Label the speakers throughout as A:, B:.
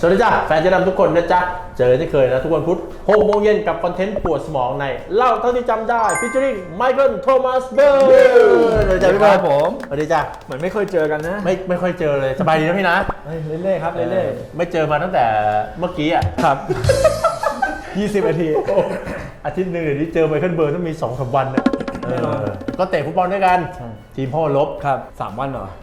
A: สวัสดีจ้าแฟนเจ๊ดำทุกคนนะจ๊ะเจอที่เคยนะทุกวันพุธ6 โมงเย็นกับคอนเทนต์ปวดสมองในเล่าเท่าที่จำได้ฟิชเชอริงไมเคิลโทมัสเบลสวัสดีจ้าพี่บอลผมสวัสดีจ้า
B: เหมือนไม่เคยเจอกันนะ
A: ไม่ค่อยเจอเลยสบายดีนะพี่นะ
B: เรื่อยๆครับเรื่อย
A: ๆไม่เจอมาตั้งแต่เมื่อกี้อ่ะ
B: ครับ20 นาที
A: อาทิตย์หนึ่งเดี๋ยวนี้เจอไมเคิลเบิร์นต้องมี 2-3 วันเนี่ยก็เตะฟุตบอลด้วยกันทีมพ่อลบ
B: ครับ3 วันเหรอ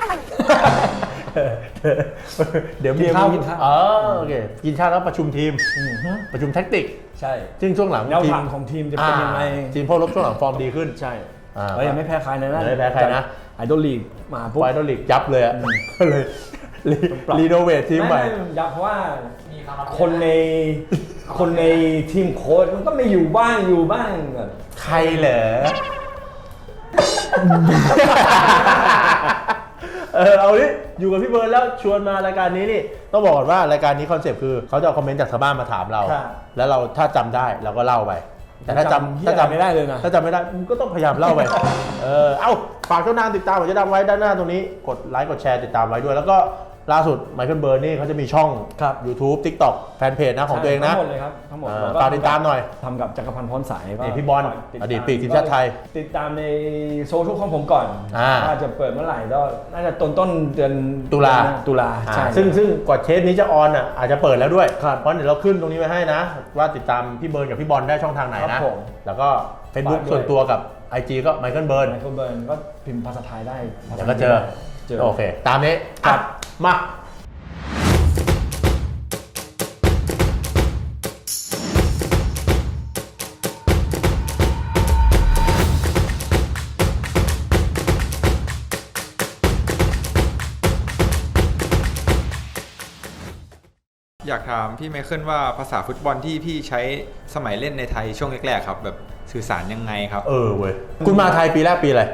A: เดี๋ยวมีข้าวกินข้าวโอเคกินข้าวแล้วประชุมทีมประชุมแท็กติก
B: ใช่
A: ซึ่งช่วงหลัง
B: แนวทางของทีมจะเป็นยังไง
A: ทีมพ่อลบช่วงหลังฟอร์มดีขึ้น
B: ใช่ยังไม่แพ้ใครนะ
A: ไม่แพ้ใครนะ
B: ไอดอลลีกมาปุ๊บ
A: ไอดอลลีกยับเลยอ่ะก็เลยรีโนเวททีมใหม่
B: ยับเพราะว่าคนในทีมโค้ชมันก็ไม่อยู่บ้าง
A: ใครเหรอเอาดิอยู่กับพี่เบิร์นแล้วชวนมารายการนี้นี่ต้องบอกก่อนว่ารายการนี้คอนเซปต์คือเขาจะเอาคอมเมนต์จากชาวบ้านมาถามเราแล้วเราถ้าจำได้เราก็เล่าไปแต่ถ้าจำ
B: ไม่ได้เลยนะ
A: ถ้าจำไม่ได้ก็ต้องพยายามเล่าไปเอ้าฝากช่องทางติดตามผมจะดังไว้ด้านหน้าตรงนี้กดไลค์กดแชร์ติดตามไว้ด้วยแล้วก็ล่าสุดไมเคิลเบิร์นนี่เขาจะมีช่อง YouTube TikTok แฟนเพจนะของตัวเองนะ
B: ทั้งหมดเลยครับทั้งหมด
A: ฝากติดตามหน่อย
B: ทำกับจักรพันธ์พรสาย
A: พี่บอลอดีตปีกทีมชาติไทย
B: ติดตามในโซเชียลของผมก่อนว่าจะเปิดเมื่อไหร่ก็น่าจะต้นเดือนตุลาใช่
A: ซึ่งกว่าเทปนี้จะออนอาจจะเปิดแล้วด้วยเพราะเดี๋ยวเราขึ้นตรงนี้ไว้ให้นะว่าติดตามพี่เบิร์นกับพี่บอลได้ช่องทางไหนนะแล้วก็ Facebook ส่วนตัวกับ IG ก็ไมเคิลเบิร์น
B: ก็พิมพ์ภาษาไทยได้
A: เดี๋ยวก็เจอโอเคตามนี้มา
C: อยากถามพี่ไมเคิลว่าภาษาฟุตบอลที่พี่ใช้สมัยเล่นในไทยช่วงแรกๆครับแบบสื่อสารยังไงครับ
A: เว้ยคุณมาไทยปีแรกปีอะไร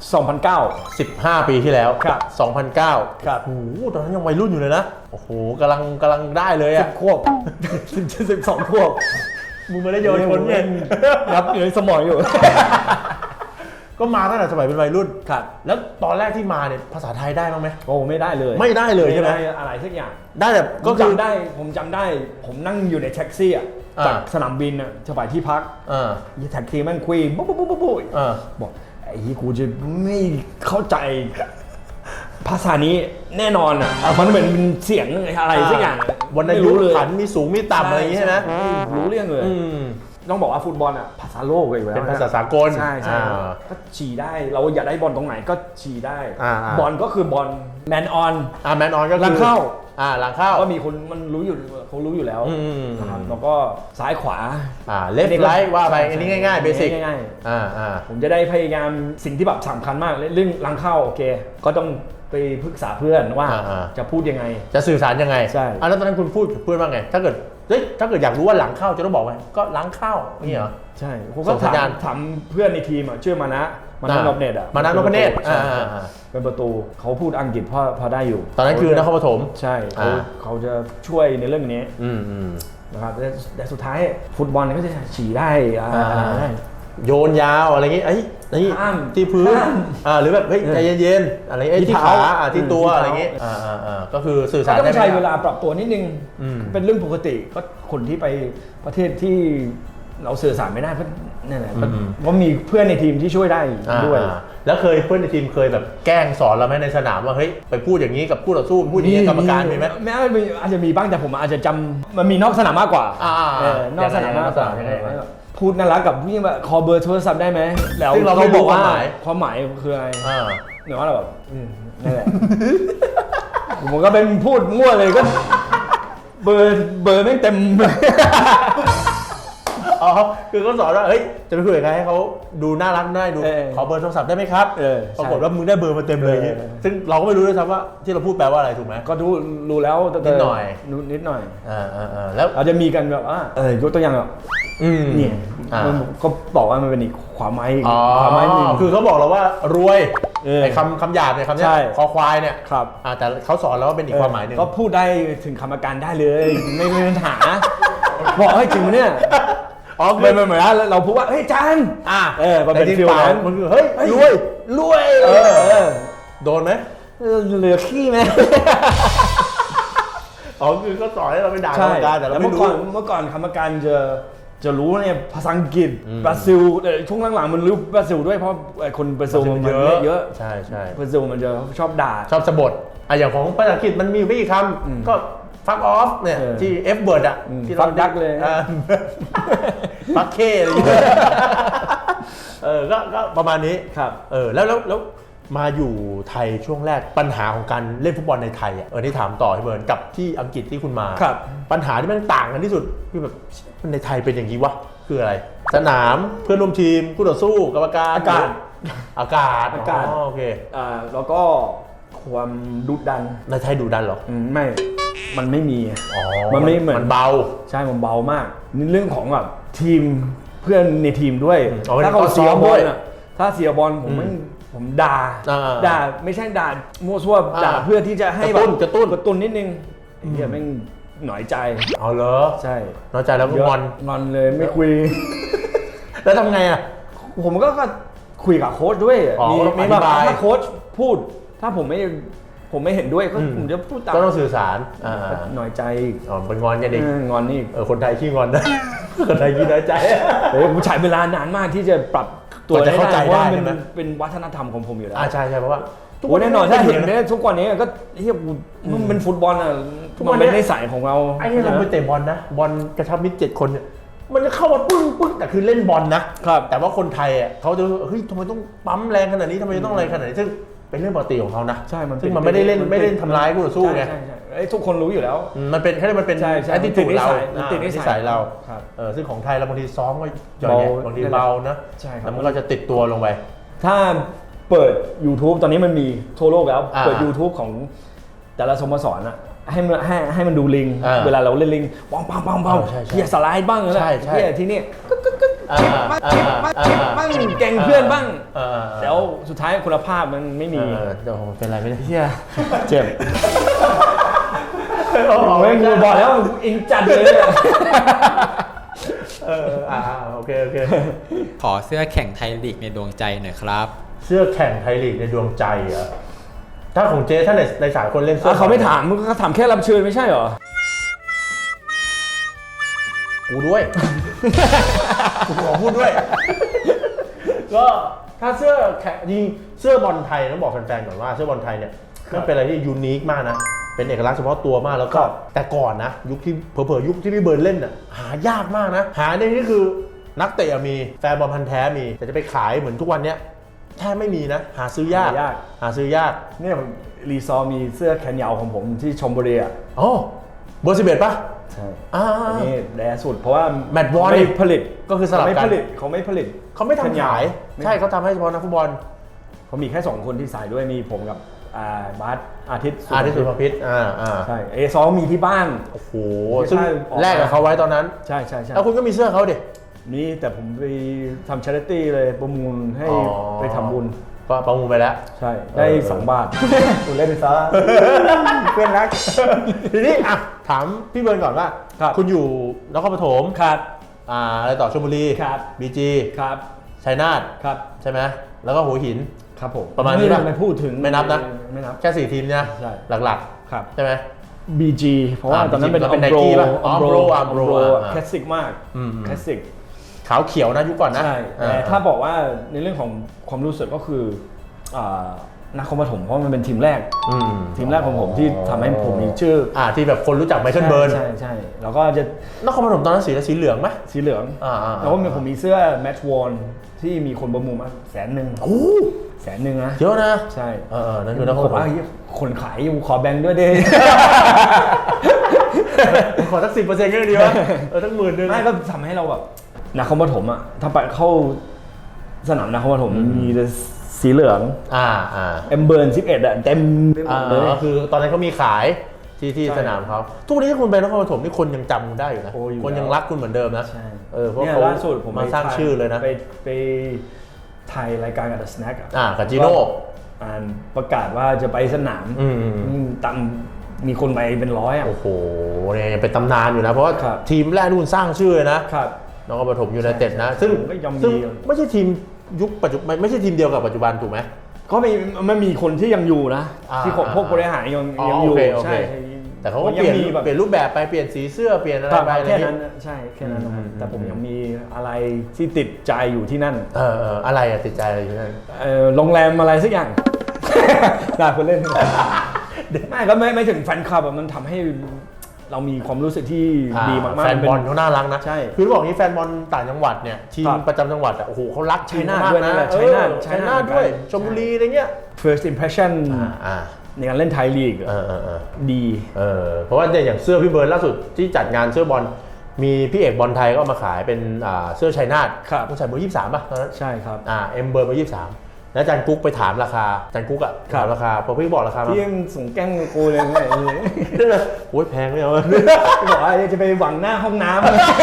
B: 2009
A: 15 ปีที่แล้ว
B: ครับ
A: 2009
B: ครับ
A: โอ้โหตอนนั้นยังวัยรุ่นอยู่เลยนะโอ้โหกำลังได้เลยอ่ะ
B: 10 ขวบ12 ขวบ
A: มึงมาได้โยนคนเนี่ย
B: นับอยู่ในสมองอยู่
A: ก็มาตั้งแต่สมัยเป็นวัยรุ่น
B: ครับ
A: แล้วตอนแรกที่มาเนี่ยภาษาไทยได้บ้างไหม
B: โอ้ไม่ได้เลย
A: ไม่ได้เลยใช่ไหม
B: อะไรสักอย่าง
A: ได้แต่ก็
B: จำได้ผมจำได้ผมนั่งอยู่ในแท็กซี่จากสนามบินจะไปที่พักแท็กซี่มันคุยบุ๊บบอกไอ้กูจะไม่เข้าใจภาษานี้แน่นอนมันเป็นเสียงอะไรสักอย่าง
A: วรรณยุกต์ขันมีสูงมีต่ำอะไรอย่างนี้ใช่ไหม
B: รู้เรื่องเลยต้องบอกว่าฟุตบอลภาษาโลกเลย
A: เป็นภาษาสากล
B: ใช่ก็ฉี่ได้เราอยากได้บอลตรงไหนก็ฉี่ได้บอลก็คือบอลแมนออน
A: ก็คือหลังเข้า
B: ก็มีคนมันรู้อยู่เขารู้อยู่แล้วนะครับแล้วก็ซ้ายขวา
A: เลฟต์ไรท์ว่าไปอันนี้ง่ายๆเบสิก
B: ง่ายๆผมจะได้พยายามสิ่งที่แบบสำคัญมากเรื่องหลังเข้าโอเคก็ต้องไปปรึกษาเพื่อนว่าจะพูดยังไง
A: จะสื่อสารยังไง
B: ใช่
A: แล้วตอนนั้นคุณพูดเพื่อนว่าไงถ้าเกิดอยากรู้ว่าหลังเข้าจะต้องบอกไงก็หลังเข้านี่เหรอ
B: ใช่ผมก็ถามเพื่อนในทีมชื่อมานะนพเนตร
A: มานะนพเนตร
B: เป็นประตูเขาพูดอังกฤษพอได้อยู่
A: ตอนนั้นคือนครปฐม
B: ใช่เขาจะช่วยในเรื่องนี้นะครับแต่สุดท้ายฟุตบอลก็จะฉี่ได้
A: โยนยาวอะไรอย่างงี้นี่ที่พื้นหรือแบบเฮ้ยใจเย็นๆอะไรที่ขาที่ตัวอะไรอย่างงี้ก็คือสื่อสาร
B: ต้องใช้เวลาปรับตัวนิดนึงเป็นเรื่องปกติก็คนที่ไปประเทศที่เราสื่อสารไม่ได้เพราะนั่นแหละเพราะมีเพื่อนในทีมที่ช่วยได้ด้วย
A: แล้วเคยเพื่อนในทีมเคยแบบแกล้งสอนเราไหมในสนามว่าเฮ้ยไปพูดอย่างนี้กับผู้ต่อสู้พูดอย่างนี้กรรมการมีไหม
B: ไม่อาจจะมีบ้างแต่ผมอาจจะจำมันมีนอกสนามมากกว่านอกสนามมากกว่าพูดน่ารักกับพี่แบบขอเบอร์โทรศัพท์ได้ไหม
A: แล้วเราบอกว่า
B: ความหมายคืออะไรเหนือว่าเราแบบนั่นแหละผมก็เป็นพูดมั่วเลยก็เบอร์ไม่เต็ม
A: คือเขาสอนว่าเฮ้ยจะไปคุยกับใครให้เขาดูน่ารักได้ดูขอเบอร์โทรศัพท์ได้ไหมครับปรากฏว่ามึงได้เบอร์มาเต็มเลยซึ่งเราก็ไม่รู้ด้วยซ้ำว่าที่เราพูดแปลว่าอะไรถูกไหม
B: ก็รู้แล้ว
A: นิดหน่อย
B: แล้วอาจจะมีกันแบบยกตัวอย่างแบบนี่ก็บอกว่ามันเป็นอีกความหมายนึง
A: คือเขาบอกเราว่ารวยไอ้คำหยาบเนี่ยคำนี้คอควายเนี่ยแต่เขาสอนเราว่าเป็นอีกความหมายนึง
B: ก็พูดได้ถึงคำอาการได้เลยไม่มีปัญหาบอกให้จริงเนี่ยเหมือนเราพูดว่าเฮ้ยจาน
A: มันเป็นฟิลนั้นมันคือเฮ้ยรวยโดนไหม
B: เหลือขี้ไหม
A: อ๋อคือก็สอนให้เราไปด่ากร
B: ใช่
A: รมการแต่เรา
B: แล้ว
A: ไม่
B: เมื่อ
A: รู้
B: ก่อนกรรมการจะรู้เนี่ยภาษาอังกฤษ
A: อืม
B: บราซิลแต่ช่วงหลังๆมันรู้บราซิลด้วยเพราะไอ้คนบราซิลมันเยอะ
A: ใช่ใช่
B: บราซิลมันจะชอบด่า
A: ชอบสะบดอย่างของภาษาอังกฤษมันมีไม่กี่คำก็ fuck off เนี่ย
B: เออ
A: ที่ F word อ่ะที่เรา
B: fuck duck เลย
A: fuck K อะไรอย่างเงี้ยก็ประมาณนี้
B: ครับ
A: แล้วมาอยู่ไทยช่วงแรกปัญหาของการเล่นฟุตบอลในไทยที่ถามต่อให้เบิร์นกับที่อังกฤษที่คุณมา
B: ครับ
A: ปัญหาที่มันต่างกันที่สุดคือแบบในไทยเป็นอย่างนี้วะคืออะไร สนามเพื่อนร่วมทีมคู่ต่อสู้กรรมการ
B: อากาศ
A: อากาศ โอเค
B: แล้วก็ความดุดัน
A: ในไทยดุดันเหรอ
B: ไม่ มันไม่มี
A: อ๋อ
B: มันไม่เหมือน
A: มันเบา
B: ใช่ มันเบามากนี่เรื่องของแบบทีมเพื่อนในทีมด้วย
A: อ๋อ
B: ถ้าเขาเสียบอล
A: ด้วย
B: อ่ะถ้าเสียบอลผมด่า ด่าไม่ใช่ด่ามั่วซั่วด่าเพื่อที่จะให้
A: กระตุ้น
B: นิดนึงไอ้เหี้ยแม่งหน่อยใจ
A: เอาเหรอ
B: ใช่
A: น้อยใจแล้วก็งอน
B: งอนเลยไม่คุย
A: แล้วทำไงอ่ะ
B: ผมก็คุยกับโค้ชด้วย
A: อ๋อต้อง
B: มี
A: อธิบาย
B: ถ้าโค้ชพูด ถ้าผมไม่เห็นด้วยก็ผมจะพูดตาม
A: ก็ต้องสื่อสาร
B: หน่อยใจ
A: อ๋อเป็นงอนกันอีก
B: งอนนี่
A: คนไทยขี้งอนนะ คนไทยขี้น้อยใจ
B: ผมใช้เวลานานมากที่จะปรับตัว
A: กว่าจะเข้าใจ
B: เพราะว่า
A: ได้ใช่ไหม
B: มันเป็นวัฒนธรรมของผมอยู่แล้ว
A: ใช่เพราะว่า
B: โอ้แน่นอนถ้าเห็นเนี่ยทุกวันนี้ก็เฮียมันเป็นฟุตบอลอ่ะ
A: ทุกวัน
B: มัน
A: นี้
B: เป็นนิสัยของเรา
A: ไอ้เนี่ยเราไปเตะบอลนะบอลกระชับมิตร7 คนเนี่ยมันจะเข้ามาปึ้งแต่คือเล่นบอลนะครับ แต่ว่าคนไทยเขาจะเฮ้ยทำไมต้องปั๊มแรงขนาดนี้ทำไมต้องอะไรขนาดนี้ซึ่งเป็นเรื่องปกติของเขานะ
B: ใช่มัน
A: ซึ่งมันไม่ได้เล่นทำร้ายคู่ต่อสู้ไง
B: ใช่ทุกคนรู้อยู่แล้ว
A: มันเป็นแค่มันเป็น
B: ใช่
A: แอตติจูดเรา
B: มันติดนิสัย
A: นิสัยเรา
B: ครับ
A: ซึ่งของไทยเราบางทีซ้อมก็หย่อน
B: เบา
A: แย่บางทีเบานะ
B: ใช่ครับ
A: แล้วมันก็จะติดตัวลงไป
B: ถ้าเปิด YouTube ตอนนี้มันมีทั่วโลกแล้ว
A: อ่า
B: เปิด YouTube ของแต่ละสโมสรอะให้มันดูลิง
A: อ่า
B: เวลาเราเล่นลิงปังปังปังปัง
A: ใช่
B: เฮียสไลด์บ้างเลย
A: ใช่
B: เฮียที่นี่ บ้างแกง
A: อ่า
B: เพื่อนบ้าง
A: เออ
B: แล้วสุดท้ายคุณภาพมันไม่มี
A: เดี๋ยวเป็นไรไม่ได้
B: เฮียเจ็บไม่งูบอกแล้วอินจัดเลยอะ
A: โอเค
C: ขอเสื้อแข่งไทยลีกในดวงใจหน่อยครับ
A: เสื้อแข่งไทยลีกในดวงใจเหรอถ้าของเจ๊ถ้าในสายคนเล่นเสื้อ
B: เขาไม่ถามเขาถามแค่รับเชิญไม่ใช่เหรอ
A: กูด้วย กูขอพูดด้วย ก็ถ้าเสื้อแข่งจริงเสื้อบอลไทยต้องบอกแฟนๆก่อนว่าเสื้อบอลไทยเนี่ยมันเป็นอะไรที่ยูนิคมากนะเป็นเอกลักษณ์เฉพาะตัวมากแล้วก็แต่ก่อนนะยุคที่เผลอๆยุคที่พี่เบิร์นเล่นน่ะหายากมากนะหาในนี่คือนักเตะมีแฟนบอลพันธุ์แท้มีแต่จะไปขายเหมือนทุกวันเนี้ยแทบไม่มีนะหาซื้อยากหาซื้อยาก
B: เนี่ยรีซอร์มีเสื้อแขนยาวของผมที่ชมบุรีอ่ะ
A: อ๋อเบอร์11ป่ะ
B: ใช่
A: อั
B: อันนี้แย่สุดเพราะว่า
A: แมตต์วอร์
B: ไม่ผลิต
A: ก็คือสลับกัน
B: เขาไม่ผลิตเขาไม่
A: ทำขาย
B: ไม่
A: ใช่เขาทำให้เฉพาะนักฟุตบอล
B: เขามีแค่2คนที่ใส่ด้วยมีผมกับบาสอาทิตย์
A: สุภพิษ
B: ใช่ซอมีที่บ้าน
A: โอ้โห
B: ไม่ใช่
A: ซึ่ง
B: ออกมา
A: แลกกับเขาไว้ตอนนั้น
B: ใช่
A: แล้วคุณก็มีเสื้อเขาดิ
B: นี่แต่ผมไปทำชาริตี้เลยประมูลให้
A: อ๋อ
B: ไปทำบุญ
A: ก็ประมูลไปแล้ว
B: ใช่ได้2 บาทคุณเล่นไปซะเพื่อนรัก
A: ทีนี้ถามพี่เบิร์นก่อนว่า
B: ครับ
A: คุณอยู่นครปฐม
B: ครับ
A: อะไรต่อชลบุรี
B: ครับ
A: บีจี
B: ครับ
A: ชัยนาท
B: ครับ
A: ใช่ไหมแล้วก็หัวหิน
B: ครับผม
A: ประมาณนี้ป่ะ
B: ไม่พูดถึง
A: ไม่นับนะ
B: ไม่นับ
A: แค่4 ทีมเนี่ย
B: ใช่
A: หลัก
B: ครับ
A: ๆ ใช่ไหม
B: BG เพราะว่าตอนนั้นเป็น
A: BG เป็น Nike ป่ะอ๋อ Umbro
B: คลาสสิกมาก
A: อืม
B: คลาสสิก
A: ขาวเขียวนะยุคก่อนนะ
B: ใช่แต่ถ้าบอกว่าในเรื่องของความรู้สึกก็คือนักคอมปฐมเพราะมันเป็นทีมแรก ทีมแรกของผมที่ทำให้ผมมีชื่อ
A: ที่แบบคนรู้จักไมเคิลเบิร์น
B: ใช่แล้วก็จะ
A: นครปฐมตอนนั้นสีเหลืองไหม
B: สีเหลือง แล้วก็ผมมีเสื้อแมตช์วอนที่มีคนประมูลมา100,000
A: โอ้
B: 100,000นะ
A: เยอะนะ
B: ใช่
A: นั่นคือนครปฐม
B: คนขายอยู่ขอแบงค์ด้วยดิ
A: ขอสัก10%ก็ยังดีวะทั้ง10,000
B: ไม่ก็ทำให้เราแบบนักคอมปฐมอ่ะถ้าไปเข้าสนามนักคอมปฐมมีแต่สีเหลืองเอ็มเบิร์น11อ่ะเต็มไปหมดเลย
A: คือตอนนั้นเขามีขายที่
B: ใช่
A: สนามเขาทุกวันนี้ถ้าคุณไปนครปฐมนี่คนยังจำคุณได้อยู่นะ
B: โอ้อยู่
A: คนยังรักคุณเหมือนเดิมนะ
B: ใช่
A: เพราะ
B: เนี่ย
A: เขา
B: ล่าสุดผม
A: มาสร้างชื่อเลยนะ
B: ไปถ่ายรายการกับ The Snack
A: กับจิโน่
B: ประกาศว่าจะไปสนามตั้งมีคนไปเป็น100อ่ะ
A: โอ้โหเนี่ยเป็นตำนานอยู่นะเพราะว่า
B: ครับ
A: ทีมแรกที่คุณสร้างชื่อเลยนะครับ นครปฐมยูไนเต็ดนะซึ่ง
B: ผมก็ยอม
A: ซึ่ง
B: ดี
A: ไม่ใช่ทีมยุคปัจจุบันไม่ใช่ทีมเดียวกับปัจจุบันถูกไหม
B: ก็มันมีคนที่ยังอยู่นะ ที่พวกบริหารยังอยู่
A: โอเค
B: ใช่
A: แต่แต่เขาก็เปลี่ยนรูปแบบไปเปลี่ยนสีเสื้อเปลี่ยนอะไรไป
B: แค่นั้นใช่แค่นั้นนะครับแต่ผมยังมีอะไรที่ติดใจอยู่ที่นั่น
A: อะไรอะติดใจอะไรอยู่ที่นั่น
B: โรงแรมอะไรสักอย่าง น่าคนเล่นไม่ก็ไม่ถึงแฟนคลับมันทำให้เรามีความรู้สึกที่ดีมากๆ
A: แฟนบอลเขาน่ารักนะ
B: ใช่
A: คือบอกนี้แฟนบอลต่างจังหวัดเนี่ยทีมประจำจังหวัดโอ้โหเขารัก
B: ชัยนาทด้วยนะชัยนาท
A: ด้วยชลบุรีอะไรเงี้ย
B: first impression ในการเล่นไทยลีกดี
A: เพราะว่าอย่างเสื้อพี่เบิร์นล่าสุดที่จัดงานเสื้อบอลมีพี่เอกบอลไทยก็มาขายเป็นเสื้อชัยนาทต้องใส่เบอร์23ป่ะตอนนั้น
B: ใช่ครับ
A: เอ็มเบอร์23แล้วอาจารย์กุ๊กไปถามราคาอาจารย์กุ๊กถามราคาพอพี่บอกราคา
B: พี่ยังส่งแก้มกูเลยไง
A: โอ้ยแพงเลย
B: พี่บอกว่าจะไปหวังหน้าห้องน้ำ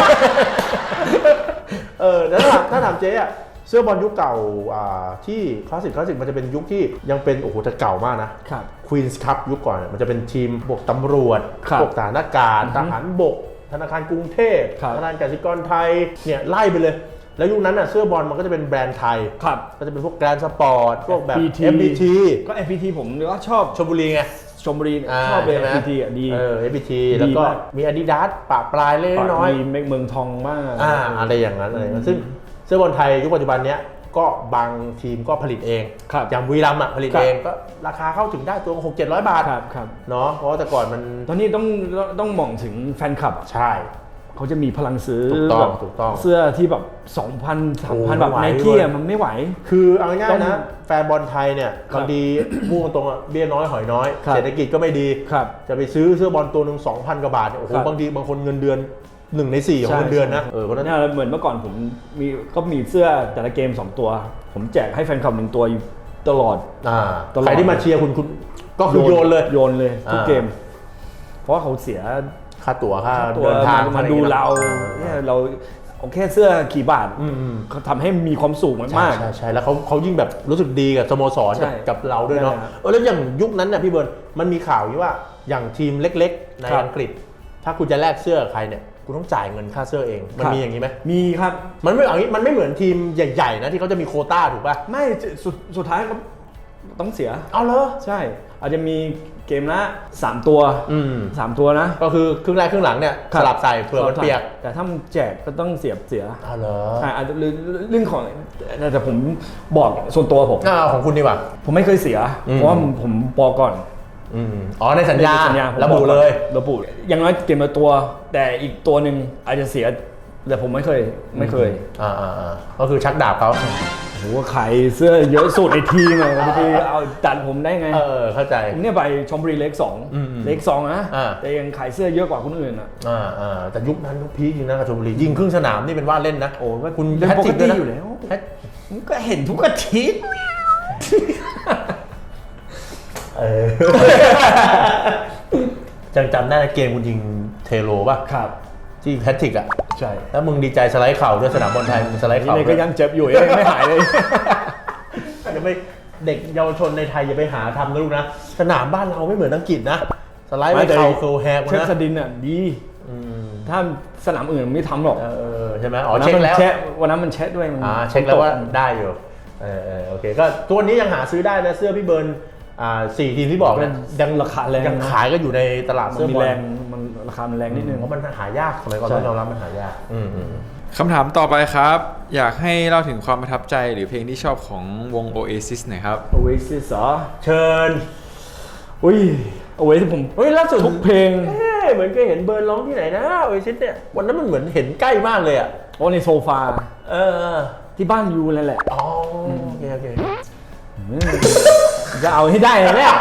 A: แล้วถ้าถามเจ๊อะเสื้อบอลยุคเก่าที่คลาสสิกมันจะเป็นยุคที่ยังเป็นโอ้โหแต่เก่ามากนะควีนส์คัพยุคก่อนมันจะเป็นทีมพวกตำรวจพวกทหารอากาศทหารบกธนาคารกรุงเทพธนาคารกสิกรไทยเนี่ยไล่ไปเลยแล้วยุคนั้นเสื้อบอลมันก็จะเป็นแบรนด์ไทยก็จะเป็นพวกแกรนด์สปอร์ตพวกแบบ FPT
B: ก็ FPT ผมก็ชอบ
A: ชลบุรีไง
B: ชลบุรีชอบเลย FPT ดี
A: FPT แล้วก็มี Adidas ปะปลายเล็กน้อย
B: มีเมืองทองบ้าง
A: อะไรอย่างนั้นอะไรซึ่งเสื้อบอลไทยยุคปัจจุบันเนี้ยก็บางทีมก็ผลิตเองอย่างบุรีรัมย์ผลิตเองก็ราคาเข้าถึงได้ตัว 600-700 บาทเนาะเพราะว่าแต่ก่อนมัน
B: ตอนนี้ต้องมองถึงแฟนคลับ
A: ใช่
B: เขาจะมีพลังซื้อ
A: ถูกต้อง
B: เสื้อที่แบบ 2,000-3,000 แบบไนกี้มันไม่ไหว
A: คือเอาง่ายๆนะแฟนบอลไทยเนี่ยบางทีพูดตรงๆเบี้ยน้อยหอยน้อยเศรษฐกิจก็ไม่ดีจะไปซื้อเสื้อบอลตัวนึง 2,000 กว่าบาทโอ้โหบางทีบางคนเงินเดือน1 ใน 4ของเงินเดือนนะ
B: เพราะนั้นเหมือนเมื่อก่อนผมมีเสื้อแต่ละเกม2ตัวผมแจกให้แฟนคลับ1ตัวอยู่ตลอด
A: ใครที่มาเชียร์คุณก็คือโยน
B: เลยทุกเกมเพราะเขาเสีย
A: ค่าตั๋วค่าเดินทาง
B: มาดูเราเนี่ยเราโอเคเสื้อกี่บาทเขาทำให้มีความสุขมาก
A: ใช่แล้วเขายิ่งแบบรู้สึกดีกับสโมสรกับเราด้วยเนาะแล้วอย่างยุคนั้นเนี่ยพี่เบิร์นมันมีข่าวอยู่ว่าอย่างทีมเล็กๆในอังกฤษถ้าคุณจะแลกเสื้อใครเนี่ยคุณต้องจ่ายเงินค่าเสื้อเองมันมีอย่างนี้ไหม
B: มีครับ
A: มันไม่เหมือนทีมใหญ่ๆนะที่เขาจะมีโควต้าถูกป่ะ
B: ไม่สุดท้ายก็ต้องเสีย
A: เอาเหรอ
B: ใช่อาจจะมีเกมละ3 ตัว3 ตัวนะ
A: ก็คือครึ่งแรกครึ่งหลังเนี่ยสลับใส่เผื่อมันเปียก
B: แต่ถ้ามันแจกก็ต้องเสีย
A: อ๋อเหรอ
B: ใช่อาจจะเรื่องของแต่ผมบอกส่วนตัวผม
A: ของคุณดีกว่า
B: ผมไม่เคยเสียเพราะว่าผมบอกก่อน
A: ในสัญญาระบุเลย
B: อย่างน้อยเกมละตัวแต่อีกตัวหนึ่งอาจจะเสียแต่ผมไม่เคย
A: ก็คือชักดาบเขา
B: โหขายเสื้อเยอะสุดในทีมเลยบางทีเอาดันผมได้ไง
A: เข้าใจ
B: ผมเนี่ยไปชลบุรีเล็ก2นะแต่ยังขายเสื้อเยอะกว่าคนอื่น
A: แต่ยุคนั้นยุคพีคจริงนะกับชลบุรียิงครึ่งสนามนี่เป็นว่าเล่นนะ
B: โอ้ก็คุณเป็นปกติอยู่แล้วก็เห็นทุกอาทิตย์
A: จังจำได้เกมคุณยิงเทโลป่ะ
B: ครับ
A: ที่แพทริก
B: ใช่
A: แล้วมึงดีใจสไลด์เข่าด้วยสนามบอลไทยมึงสไลด์เข่า
B: นี่ก็ยังเจ็บอยู่ยังไม่หายเลย
A: อย่าไปเด็กเยาวชนในไทยอย่าไปหาทำนะลูกนะสนามบ้านเราไม่เหมือนอังกฤษนะสไลด์เข่าเคิร์ลแฮกนะ
B: เช็คสดินดีถ้าสนามอื่นไม่ทำหรอก
A: ใช่ไหมเช็คแล้ว
B: วันนั้นมันเช็คด้วย
A: เช็คแล้วว่าได้อยู่โอเคก็ตัวนี้ยังหาซื้อได้นะเสื้อพี่เบิร์น4 ทีมที่บอกเนี่ย
B: ยังราคาแรง
A: ยังขายก็อยู่ในตลาดเสื้อบอล
B: มันราคามันแรงนิดนึง
A: เพราะมันหายากสมัยก่อนต้องยอมรับมันหายาก
C: คำถามต่อไปครับอยากให้เล่าถึงความประทับใจหรือเพลงที่ชอบของวง Oasis หน่อยครับ
B: Oasis เหรอ
A: เชิญ
B: Oasis ผม
A: ล่าสุด
B: ทุกเพลง
A: เหมือนเคยเห็นเบิร์นร้องที่ไหนนะ Oasis เนี่ยวันนั้นมันเหมือนเห็นใกล้มากเลยอ่ะ
B: ในโซฟาที่บ้านยูนั่นแหละ
A: โอเค
B: จะเอาให้ได้เลยเนี่ย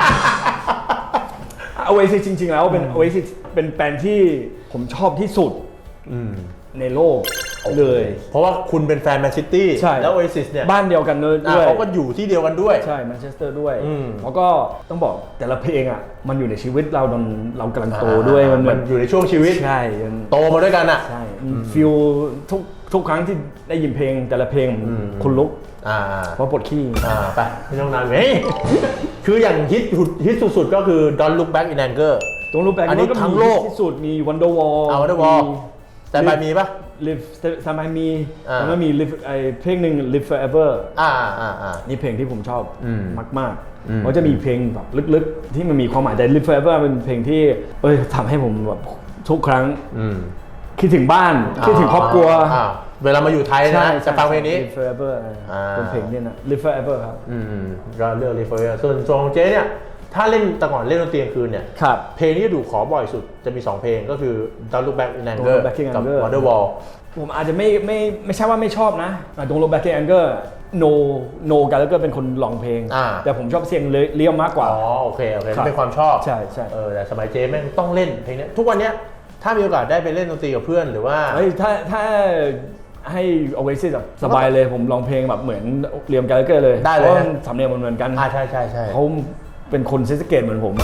B: Oasis จริงๆแล้วเป็น Oasis เป็นแบรนด์ที่ผมชอบที่สุดในโลกเลย
A: เพราะว่าคุณเป็นแฟนแมนซิตี้แล้ว Oasis เนี่ย
B: บ้านเดียวกันด้วย
A: เขาก็อยู่ที่เดียวกันด้วย
B: ใช่แมนเชสเตอร์ด้วยแล้วก็ต้องบอกแต่ละเพลงอ่ะมันอยู่ในชีวิตเรากำลังโตด้วย
A: มันอยู่ในช่วงชีวิต
B: ใช่
A: โตมาด้วยกันอ่ะ
B: ใช่ฟีลทุกครั้งที่ได้ยินเพลงแต่ละเพลงคุณลุกเพราะปวดขี้
A: ไปไม่ต้องนานเฮ้ยคืออย่างฮิตสุดๆก็คือ Don't Look Back in Anger
B: ต้องรู้แปล
A: อันนี้ทั้งโลก
B: ที่สุดมี Wonderwall
A: Wonderwall แต่ไปมีป่ะ
B: Live แต่ไม่มีLive เพลงหนึ่ง Live Forever นี่เพลงที่ผมชอบมากเขาจะมีเพลงแบบลึกๆที่มันมีความหมายแต่ Live Forever เป็นเพลงที่ทำให้ผมแบบทุกครั้งคิดถึงบ้านคิดถึงครอบครัว
A: เวลามาอยู่ไทยนะจะฟังเพลงนี้
B: Live Forever เป็นเพลงนี้นะ Live Forever ครับ
A: ก็เลือก Live Forever ส่วนของเจ๊เนี่ยถ้าเล่นแต่ก่อนเล่นดนตรีกลางคืนเนี่ยเพลงที่ถูกขอบ่อยสุดจะมี2เพลงก็คือ Don't Look Back in Anger กับ Wonderwall
B: ผมอาจจะไม่ใช่ว่าไม่ชอบนะ Don't Look Back in Anger No Gallagher เป็นคนร้องเพลงแต่ผมชอบเสียงเลี้ยวมากกว่า
A: โอเคเป็นความชอบ
B: ใช่
A: แต่สมัยเจ๊แม่งต้องเล่นเพลงนี้ทุกวันเนี้ยถ้ามีโอกาสได้ไปเล่นดนตรีกับเพื่อนหรือว่า
B: ถ้าให้ Oasis สบายเลยผมร้องเพลงแบบเหมือนเลียม Gallagher เลย
A: ได้เลย
B: สำเนียงเหมือนกัน
A: ใช่
B: เขาเป็นคนซิสเกตเหมือนผม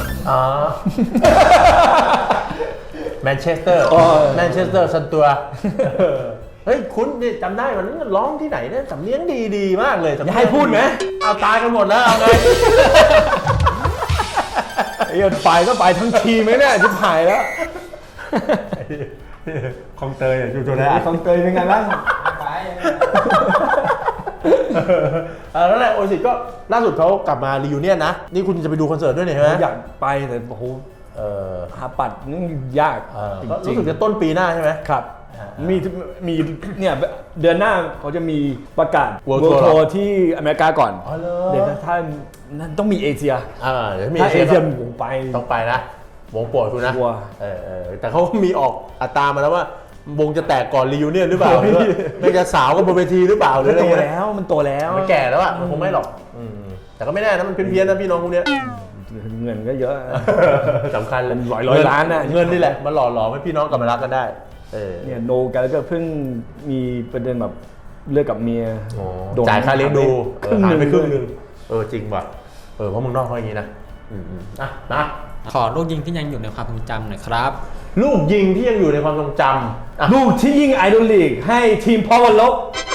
A: แมนเชสเตอร์ซันตัวเฮ้ยคุณนี่จำได้วันนั้นร้องที่ไหนเนี่ยสำเนียงดีมากเลย
B: อย่าให้พูดไหม
A: เอาตายกันหมดแล้วเอาไง
B: ไปก็ไปทั้งทีมไหมเนี่ยชิบหายแล้ว
A: คลองเตยอยู่จุดไหน
B: คลองเตยเป็นไงบ้าง
A: นั่นแหละโอซิสก็ล่าสุดเขากลับมารียูเนียนนะนี่คุณจะไปดูคอนเสิร์ตด้วยเนี่ยใช่ไหม
B: อยากไปแต่โอ้โหหาปัดนี่ยาก
A: จริงๆรู้สึกจะต้นปีหน้าใช่ไหม
B: ครับมีเนี่ยเดือนหน้าเขาจะมีประกาศ World Tour ที่อเมริกาก่อนเดี๋ยวถ้านั้นต้องมีเอเชียถ้าเอเชียผมไป
A: ต้องไปนะวงโปรดคุณนะแต่เขามีออกอัตรามาแล้วว่าวงจะแตกก่อนรียูเนียนหรือเปล่าหรือว่าไม่จะสาวกันบนเวทีหรือเปล่าหรืออะไร
B: โตแล้วมันโตแล้ว
A: มันแก่แล้วอ่ะมันคงไม่หรอกแต่ก็ไม่แน่นะมันเพี้ยนนะพี่น้องพวกนี้
B: เงินก็เยอะ
A: สำคัญเลย
B: ร้อยล้านนะ
A: เงินนี่แหละมันหล่อหลอมให้พี่น้องกลับมารักกันได้
B: เนี่ยโนกันแล้วก็เพิ่งมีประเด็นแบบเลิกกับเมีย
A: จ่ายค่าเลี้ยงดูหายไปครึ่งนึงจริงว่ะเพราะมึงนอกเขาอย่างนี้นะนะ
D: ขอลูกยิงที่ยังอยู่ในความทรงจำหน่อยครับ
A: ลูกยิงที่ยังอยู่ในความทรงจ
B: ำลูกที่ยิงไอดอลลีกให้ทีมพอวันลบ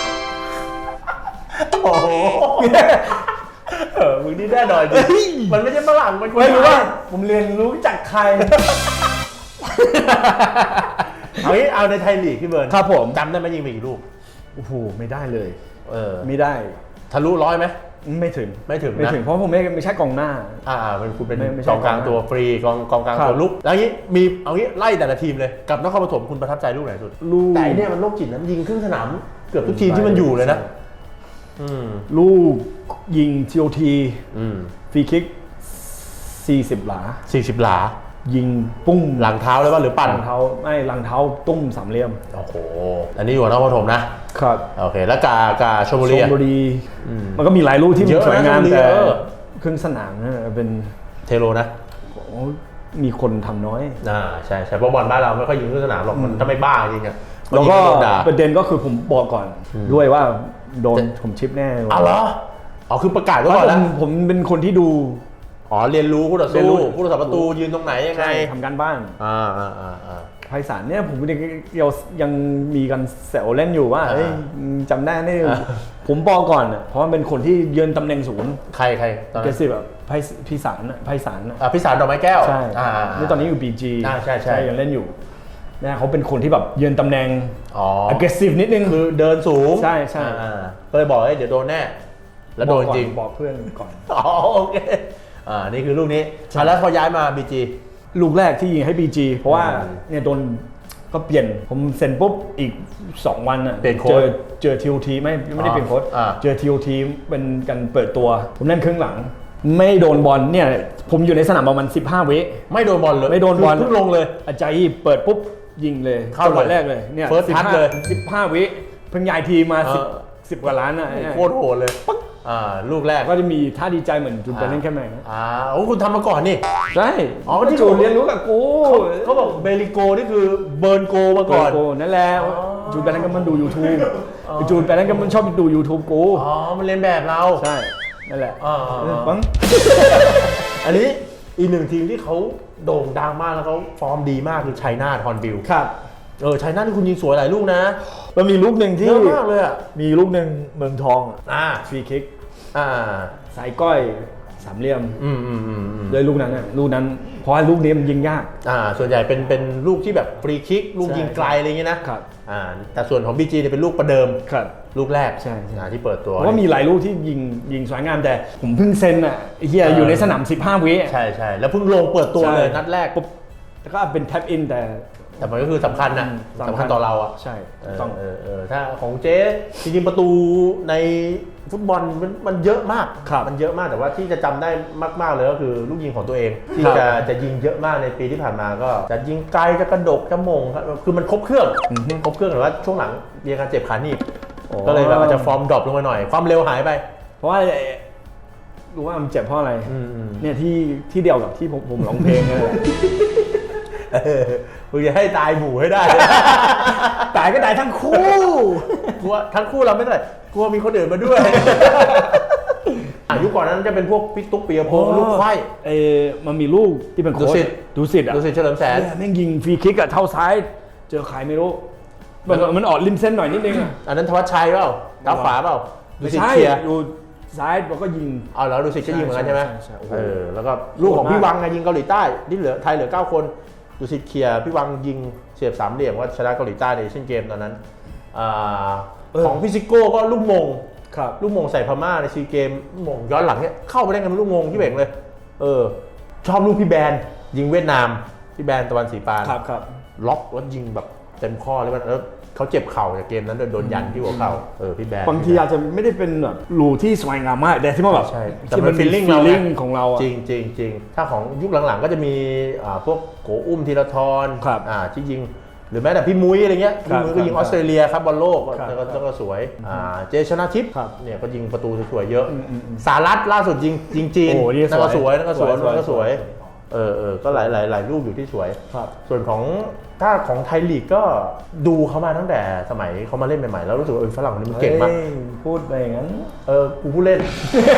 A: โอ้โหมึงนี่แน่นอนจริงมันไม่ใช่ฝรั่งมัน
B: ไม่รู้ว่าผมเรียนรู้จากใคร
A: เอาในไทยลีกพี่เบิร์น
B: ครับผม
A: จำได้ไหมยิงไปกี่ลูก
B: โอ้โหไม่ได้เลยไม่ได้
A: ทะลุ100ไหม
B: ไม่ถึง
A: นะ
B: เพราะผมไม่ใช่กองหน้า
A: คุณเป็นกองกลางตัวฟรีกองกลางตัวลุกแล้วนี้มีเอางี้ไล่แต่ละทีมเลยกับนครปฐมคุณประทับใจลูกไหนสุดแต่เนี่ยมันโรคจิตนะยิงครึ่งสนามเกือบทุกทีมที่มันอยู่เลยนะ
B: ลูกยิง TOT ฟรีคิก40 หลายิงปุ้ง
A: หลังเท้าเลยป่ะหรือปั่น
B: หลังเท้าไม่หลังเท้าตุ้มสามเหลี่ยม
A: โอ้โหอันนี้อยู่นครปฐมนะครับโอเคแล้วกาชลบุรี
B: มันก็มีหลายลูกที่สวยงามแต่ครึ่งสนามเป็น
A: เทโลนะ
B: มีคนทำน้อย
A: ใช่เพราะบอลบ้านเราไม่ค่อยยิงครึ่งสนามหรอกมันถ้าไม่บ้าจริงอะ
B: แล้วก็ประเด็นก็คือผมบอกก่อนด้วยว่าโดนผมชิปแน่
A: เหรอคือประกาศไว้ก่อนแล้ว
B: ผมเป็นคนที่ดู
A: เรียนรู้ผู้ต่อสู้ผู้รักษาประตูยืนตรงไหนยังไง
B: ทำการบ้านไพศาลเนี่ยผมยังมีกันแซวเล่นอยู่ว่าจำได้นี่ผมบอกก่อนเพราะมันเป็นคนที่ยืนตำแหน่งศูนย์
A: ใคร
B: ตอนนั้นแบบพิสาร
A: ดอกไม้แก้ว
B: ใช่นี่ตอนนี้อยู่ BG
A: ใช่
B: ยังเล่นอยู่นะเขาเป็นคนที่แบบยืนตำแหน่งaggressive นิดนึง
A: คือเดินสูง
B: ใช่
A: ก็เลยบอกเดี๋ยวโดนแน่แล้วโดนจริง
B: บอกเพื่อนก่อน
A: โอเคนี่คือลูกนี้แล้วพอย้ายมา BG
B: ลูกแรกที่ยิงให้ BG เพราะว่าเนี่ยโดนก็เปลี่ยนผมเซ็นปุ๊บอีก2 วันเจอ TOT ไม่ได้เปลี่ยนโค้ชเจอ TOT เป็นกันเปิดตัวผมเล่นครึ่งหลังไม่โดนบอลเนี่ยผมอยู่ในสนามประมาณ15 วิ
A: ไม่โดนบอลเลย
B: ไม่โดนบอล
A: เพิ่งลงเลย
B: อาจารย์เปิดปุ๊บยิงเลยจังหวะแรกเลยเนี่ย15 วิเพิ่งย้ายทีมา10 กว่าล้านนะ
A: โคตรโหดเลยลูกแรก
B: ก็จะมีท่าดีใจเหมือนจุนไปเล่นแค่ไหน
A: คุณทำมาก่อนนี่
B: ใช่ที่จูนเรียนรู้กับกู
A: เขาบอกเบลิโกนี่คือเบิร์นโกมาก่อน
B: นั่นแหละจูนไปเล่นก็มันดู YouTube จูนไปเล่นก็มันชอบดู YouTube กู
A: มันเรียนแบบเรา
B: ใช่นั่นแหละ
A: อันนี้อีกหนึ่งทีมที่เขาโด่งดังมากแล้วเขาฟอร์มดีมากคือชัยนาทฮอนบิล
B: ครับ
A: ชัยนาทที่คุณยิงสวยหลายลูกนะ
B: มันมีลูกหนึ่งที่
A: เยอะมากเลย
B: มีลูกหนึ่งเมืองทองฟรีคิกสายก้อยสามเหลี่ยม
A: อืม
B: เลยลูกนั้นนะลูกนั้นเพราะว่าลูกนี้มันยิงยาก
A: ส่วนใหญ่เป็นลูกที่แบบฟรีคิกลูกยิงไกลอะไรอย่างเงี้ยนะครับ แต่ส่วนของ BG เนี่ยเป็นลูกประเดิม
B: ครับ
A: ลูกแรก
B: ใช่
A: ที่เปิดตัว
B: เพราะว่ามีหลายลูกที่ยิงสวยงามแต่ผมเพิ่งเซ็นอ่ะไอ้เฮียอยู่ในสนาม15 วิ
A: ใช่แล้วเพิ่งลงเปิดตัวเลยนัดแรก
B: ปุ๊บแล้วก็เป็นแท็บอินแต่
A: แต่มันก็คือสำคัญนะสำคัญต่อเราอ่ะ
B: ใช่ต้อง
A: ถ้าของเจ๊จริงๆประตูในฟุตบอลมันเยอะมาก
B: ครับ
A: มันเยอะมากแต่ว่าที่จะจำได้มากๆเลยก็คือลูกยิงของตัวเองที่
B: ครับ
A: จะยิงเยอะมากในปีที่ผ่านมาก็จะยิงไกลจะกระดกจะมงครับคือมันครบเครื่องครบเครื่องแต่ว่าช่วงหลังมีอาการเจ็บขาหนีบก็เลยแบบอาจจะฟอร์มดรอปลงมาหน่อยความเร็วหายไป
B: เพราะว่ารู้ว่ามันเจ็บเพราะอะไร เนี่ยที่เดียวกับที่ผมร้องเพลงเลย
A: มึงจะให้ตายหมู่ให้ได้
B: ตายก็ตายทั้งคู่
A: กลัวทั้งคู่เราไม่เท่าไหร่กลัวมีคนอื่นมาด้วย ยุคก่อนนั้นจะเป็นพวกพี่ตุ๊กปียพงษ์ลูกไข่
B: มันมีลูกที่เป็นโค้ชดูสิทธิ์อ่ะ
A: ดูสิเฉลิมแสน
B: แม่งยิงฟรีคิกอะเท้าซ้าย เจอใครไม่รู้มันออกริมเส้นหน่อยนิดนึงอะ
A: อันนั้นธวัชชัยเปล่าเท้าขวาเปล่าดู
B: ไม่
A: สิ
B: ใช่
A: เคลียร์
B: ดูซ้ายแล้วก็ยิง
A: เอาแล้วดูสิก็ยิงเหมือนกันใช่ไหม
B: ใช่โอ้โห
A: แล้วก็ลูกของพี่วังไงยิงเกาหลีใต้ที่เหลือไทยเหลือ9คนดูสิเคลียร์พี่วังยิงเสียบสามเหลี่ยมว่าชนะเกาหลีใต้ในเอเชียนเกมตอนนั้นของพี่ซิโก้ก็ลูกมง
B: ครับ
A: ลูกมงใส่พม่าในซีเกมลูกมงย้อนหลังเนี่ยเข้าไปได้กันเป็นลูกมงที่เบ่งเลยชอบลูกพี่แบนยิงเวียดนามพี่แบนตะวันศรีปาน
B: ครับ
A: ล็อกแล้วยิงแบบเต็มข้อเลยแล้วเขาเจ็บเข่าจากเกมนั้นโดนยันที่หัวเข่าพี่แบน
B: บางทีอาจจะไม่ได้เป็นแบบรูที่สวยงามมากแต่ที่มันแบบ
A: ใช่แต่
B: ที่
A: มั
B: มัน น
A: feeling
B: ฟี
A: เรา
B: ล
A: ไง
B: ลิ่งของเราอะ
A: จริงถ้าของยุคหลังๆก็จะมีพวกโกอุ้มธีรทร
B: ครับ
A: ที่ยิงหรือแม้แต่พี่มุ้ยอะไรเงี้ย
B: ครั
A: พี่
B: บ
A: มุ้ยก็ยิง
B: ค
A: อ
B: รับ
A: อสเตรเลียครับบอลโลก
B: ครับ
A: แล้วก็สวยเจชนะทิพย์
B: ครับ
A: เนี่ยก็ยิงประตูสวยๆเยอะสารัตล่าสุดยิงจีน
B: โอ้นี่
A: นั่นก็สวย
B: สวย
A: นั่นก็สวย
B: สวย
A: นั่นก็สวยก็หลายลูกอยู่ที่สวย
B: ครับ
A: ส่วนของถ้าของไทยลีกก็ดูเขามาตั้งแต่สมัยเขามาเล่นใหม่ๆแล้วรู้สึกว่าฝรั่งคนนี้มันเก่งมาก
B: ฮ้ยพูดไปอย่างนั้น
A: กูผู้เล่น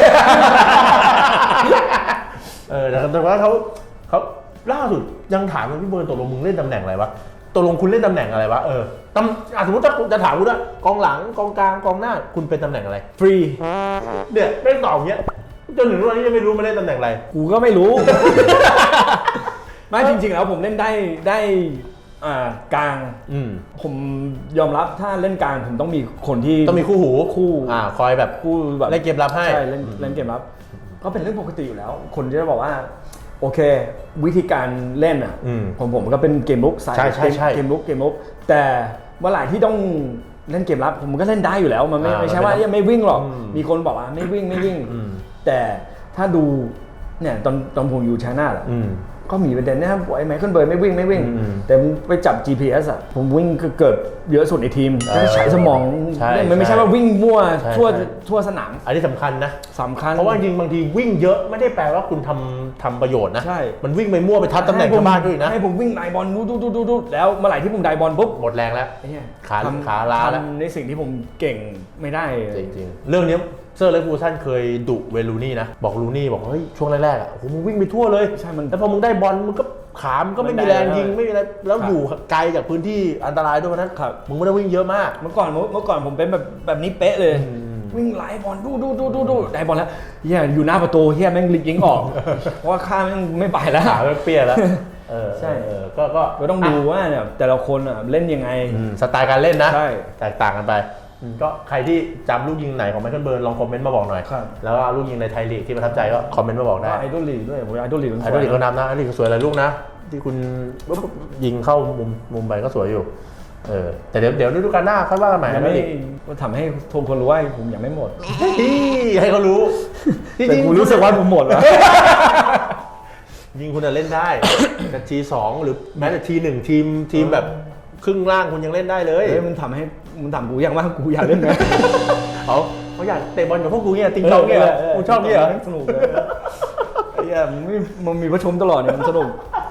A: แต่ว่าเขาล่าสุดยังถามกันพี่เบิร์นตกลงมึงเล่นตำแหน่งอะไรวะตกลงคุณเล่นตำแหน่งอะไรวะสมมติถ้าจะถามคุณว่ากองหลังกองกลางกองหน้าคุณเป็นตำแหน่งอะไร
B: ฟรี
A: เนี่ยไม่ตอบอย่างเงี้ยจนถึงวันนี้ยังไม่รู้มาเล่นตำแหน่งอะไร
B: กูก็ไม่รู้ ไม่จริงๆแล้วผมเล่นได้กลาง ผมยอมรับถ้าเล่นกลางผมต้องมีคนที่
A: ต้องมีคู่หู
B: คู่
A: คอยแบบ
B: คู่แบบ
A: เล่นเกมรับให้
B: ใช่เล่นเกมรับก็เป็นเรื่องปกติอยู่แล้ว คนจะบอกว่าโอเค วิธีการเล่นอ่ะผมก็เป็นเกมลุกใช่เกมลุกแต่เมื่อไหร่ที่ต้องเล่นเกมรับผมก็เล่นได้อยู่แล้วมันไม่ใช่ว่ายังไม่วิ่งหรอกมีคนบอกว่าไม่วิ่งแต่ถ้าดูเนี่ยตอนผมอยู่ไชน่าแหละก็มีประเด็นนะครับไอ้ไมเคิลเบิร์นไม่วิ่งแต่ไปจับ GPS อ่ะผมวิ่งเกิดเยอะสุดในทีมต้องใช้สมองไม่ใช่ว่าวิ่งมั่วทั่วสนาม
A: อันนี้สำคัญนะ
B: สำคัญ
A: เพราะว่าจริงบางทีวิ่งเยอะไม่ได้แปลว่าคุณทำประโยชน์นะ
B: ใช่
A: มันวิ่งไปมั่วไปทับตำแหน่งชาวบ้านด้วยนะ
B: ให้ผมวิ่งไดบอลดูแล้วเมื่อไหร่ที่ผมไดบอลปุ๊บ
A: หมดแรงแล้ว
B: ไอ้เหี้ย
A: ขาล้าแล้ว
B: ทำในสิ่งที่ผมเก่งไม่ได้
A: จริงๆเรื่องนี้เซอร์เลฟูซันเคยดุเวลูนี่นะบอกลูนี่บอกเฮ้ยช่วงแรกๆอ่ะโอ้โหมึงวิ่งไปทั่วเลย
B: ใช่มัน
A: แล้วพอมึงได้บอลมึงก็ขามนก็ไม่มีแรงยิงไม่มีอะไรแล้วอยู่ไกลจากพื้นที่อันตรายด้วยนั้น
B: ครับ
A: มึงไม่ได้วิ่งเยอะมาก
B: เมื่อก่อนผมเป็นแบบนี้เป๊ะเลย วิ่งไล่บอลดูได้บอลแล้วเฮียอยู่หน้าประตูเฮียแม่งยิงออก เพราะว่าข้าแม่งไม่ไปแล้ว
A: ขาเปี้ยแล้วใช่
B: ก็ต้องดูว่าเนี่ยแต่ละคนเล่นยังไง
A: สไตล์การเล่นนะ
B: ใช่
A: แตกต่างกันไปก็ใครที่จำลูกยิงไหนของไมเคิลเบิร์นลองคอมเมนต์มาบอกหน่อย
B: ครับ
A: แล้วก็ลูกยิงในไทยลีกที่ประทับใจก็คอมเมนต์มาบอกได้
B: ไอดอลลีกด้วยผมไอดอลลีก
A: ไอดอลลีกก็นับนะไอดอลลีกก็สวยหลายลูกนะที่คุณยิงเข้ามุมไปก็สวยอยู่แต่เดี๋ยวฤดูกาลหน้าค่อยว่ากันใหม่
B: ยัง
A: ไอดอ
B: ไม่
A: ลลีก
B: ทำให้ทุกคนรู้ว่าผมยังไม่หมด
A: ให้เขารู้
B: แต่กูรู้สึกว่าผมหมดแล้ว
A: ยิงคุณจะเล่นได้แต่ที2หรือแม้แต่ที1ทีมแบบครึ่งล่างคุณยังเล่นได้เลย
B: เฮ้ยมันถามกูอย่างว่ากูอยากเล่นไหม
A: เขาอยากเตะบอลกับพวกกูเนี่ยติงตองเนี่ยกูชอบเนี่ย
B: สนุกเลยไอ้เหี้ยมันมีประชุมตลอดเนี่ยมันสนุก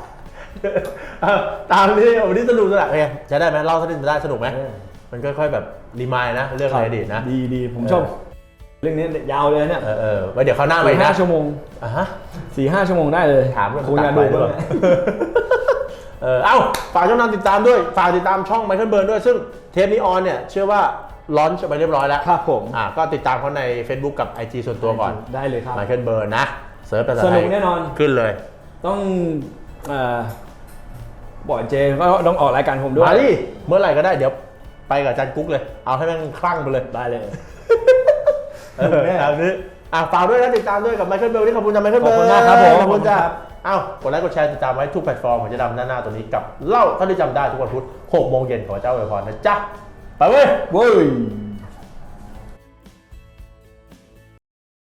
A: ตามนี้วันนี้สนุกไงจะได้ไหมเล่าสักนิดได้สนุกไหมมันค่อยๆแบบรีมายนะเรื่องในอดีตนะ
B: ดีผมชอบเรื่องนี้ยาวเลยเนี่ย
A: ไว้เดี๋ยวเขาวหน้าไปนะ
B: 4-5 ชั่วโมง 4-5 ชั่วโมงได้เลย
A: ถามเรื่อง
B: คงอยากดู
A: ด้วยฝากช่องทางติดตามด้วยฝากติดตามช่องไมเคิลเบิร์นด้วยซึ่งเทปนี้ออนเนี่ยเชื่อว่าลอนช์ไปเรียบร้อยแล้ว
B: ครับผม
A: ก็ติดตามเขาใน Facebook กับ IG ส่วนตัวก่อน
B: ได้เลยครับ
A: ไมเคิลเบิร์นนะเสิร์ชภาษา
B: ส
A: ไท
B: นุ
A: ย
B: กแน่นอน
A: ขึ้นเลย
B: ต้องบอกเจก็ต้องออกรายการผมด้วย
A: มาดิเมื่อไหร่ก็ได้เดี๋ยวไปกับอาจารย์กุ๊กเลย เอาให้แม่งคลั่งไปเลย
B: ได้เลย
A: แบบนี้ฝากด้วยนะติดตามด้วยกับไมเคิลเบลที่ขอบคุณจ้าไมเคิลเบล
B: ขอบคุณมากครับผม
A: ขอบคุณจ้า
B: ขอบคุณครับ
A: กดไลค์กดแชร์ติดตามไว้ทุกแพลตฟอร์มของเจะดำหน้าตัวนี้กับเล่าเท่าที่จำได้ทุกวันพุธ6 โมงเย็นขอเจ้าอวยพรนะจ๊ะไปเว้ย
B: เว้ย